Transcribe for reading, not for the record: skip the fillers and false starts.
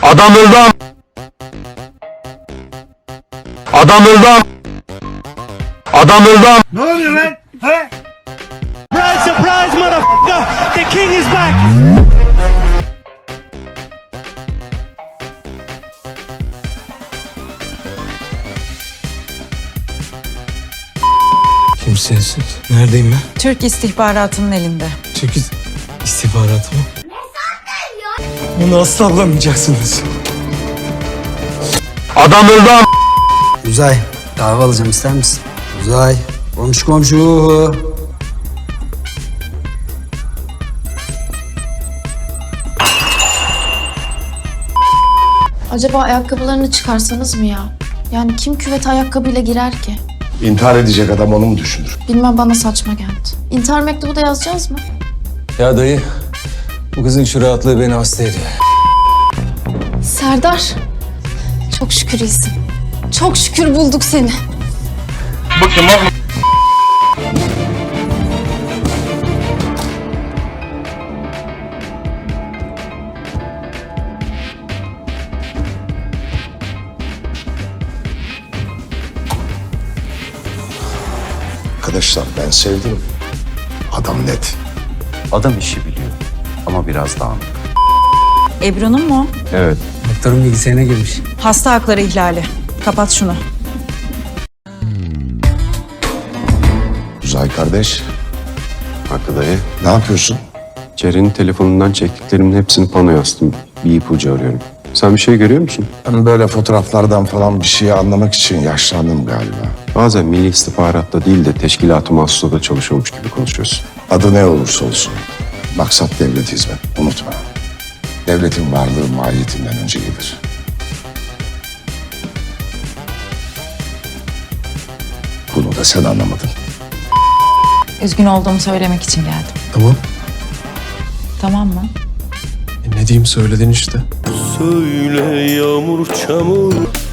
Adam öldü. Adam öldü. Adam öldü. Ne oluyor lan? He? Surprise, surprise, motherfucker! The king is back! Kimsesiz. Neredeyim ben? Türk istihbaratının elinde. Türk istihbaratı mı? Bunu asla bulamayacaksınız. Adam öldü. Uzay, kahve alacağım ister misin? Uzay, komşu komşu. Acaba ayakkabılarını çıkarsanız mı ya? Yani kim küvete ayakkabıyla girer ki? İntihar edecek adam onu mu düşünür? Bilmem, bana saçma geldi. İntihar mektubu da yazacağız mı? Ya dayı, bu kızın şu rahatlığı beni hasta ediyor. Serdar, çok şükür iyisin. Çok şükür bulduk seni. Arkadaşlar ben sevdim. Adam net. Adam işi biliyor ama biraz dağınık. Ebru'nun mu? Evet. Doktorun bilgisayarına girmiş. Hasta hakları ihlali. Kapat şunu. Uzay kardeş, Hakkı dayı. ne yapıyorsun? Ceren'in telefonundan çektiklerimin hepsini panoya astım. Bir ipucu arıyorum. Sen bir şey görüyor musun? Ben böyle fotoğraflardan falan bir şeyi anlamak için yaşlandım galiba. Bazen Milli İstihbarat'ta değil de teşkilat-ı mahsusada çalışıyormuş gibi konuşuyorsun. Adı ne olursa olsun. Maksat devlet hizmet. Unutma. Devletin varlığı mahiyetinden önce gelir. Bunu da sen anlamadın. Üzgün olduğumu söylemek için geldim. Tamam. Tamam mı? Ne diyeyim söyledin işte. Söyle yağmur çamur